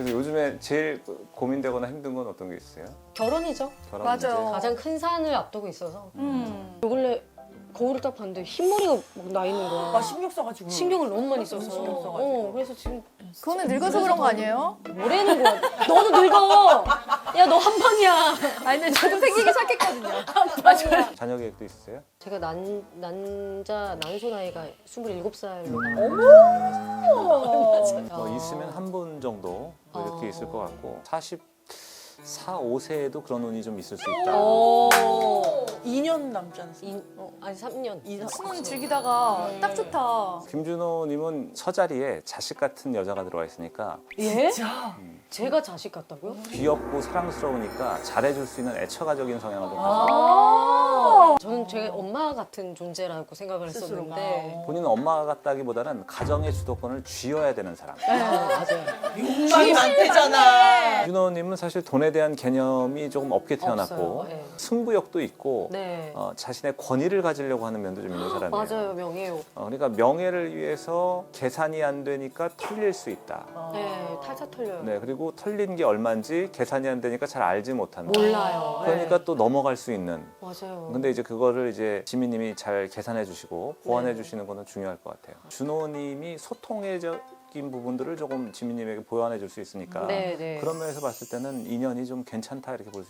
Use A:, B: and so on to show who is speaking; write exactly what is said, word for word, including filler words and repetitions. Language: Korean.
A: 그래서 요즘에 제일 고민되거나 힘든 건 어떤 게 있어요?
B: 결혼이죠.
A: 결혼
C: 맞아요.
A: 문제?
B: 가장 큰 산을 앞두고 있어서.
C: 음.
B: 요 근래 거울을 딱 봤는데 흰머리가 막 나 있는 거야.
D: 아 신경 써가지고.
B: 신경을 너무 많이 써서.
D: 신경 써가지고.
B: 어, 그래서 지금
C: 그거는 늙어서 그런 거 아니에요?
B: 뭐라는 거야. 너도 늙어. 야, 너 한 방이야.
C: 아니 근데 저도 생기기 시작했거든요.
B: 맞아요.
A: 자녀 계획도 있으세요?
B: 제가 난, 남자 난소 나이가 스물일곱 살로
A: 뭐 있으면 한 분 정도 뭐 이렇게
B: 어.
A: 있을 것 같고 사십사, 오 세에도 그런 운이 좀 있을 수 있다.
B: 오.
D: 이 년 남지 않았어요?
B: 이, 어, 아니 삼 년.
C: 신혼 즐기다가 딱 좋다.
A: 김준호님은 서자리에 자식 같은 여자가 들어와 있으니까
B: 예?
D: 진짜?
B: 제가 자식 같다고요?
A: 귀엽고 사랑스러우니까 잘해줄 수 있는 애처가적인 성향을 좀 가지고
C: 아.
B: 저는 제 엄마 같은 존재라고 생각을
D: 스스로가.
B: 했었는데.
A: 본인은 엄마 같다기보다는 가정의 주도권을 쥐어야 되는 사람.
B: 네, 맞아요.
D: 욕망이 많대잖아.
A: 준호님은 사실 돈에 대한 개념이 조금 없게 태어났고
B: 없어요. 네.
A: 승부욕도 있고
B: 네.
A: 어, 자신의 권위를 가지려고 하는 면도 좀 있는 사람이에요.
B: 맞아요, 명예요.
A: 어, 그러니까 명예를 위해서 계산이 안 되니까 털릴 수 있다.
B: 네, 탈차 털려요.
A: 네, 그리고 털린 게 얼마인지 계산이 안 되니까 잘 알지 못한다.
B: 몰라요.
A: 그러니까
B: 네.
A: 또 넘어갈 수 있는.
B: 맞아요.
A: 근데 이제 그거를 이제 지민님이 잘 계산해 주시고 보완해
B: 네.
A: 주시는 거는 중요할 것 같아요. 준호님이 소통적인 부분들을 조금 지민님에게 보완해 줄 수 있으니까
B: 네, 네.
A: 그런 면에서 봤을 때는 인연이 좀 괜찮다 이렇게 볼 수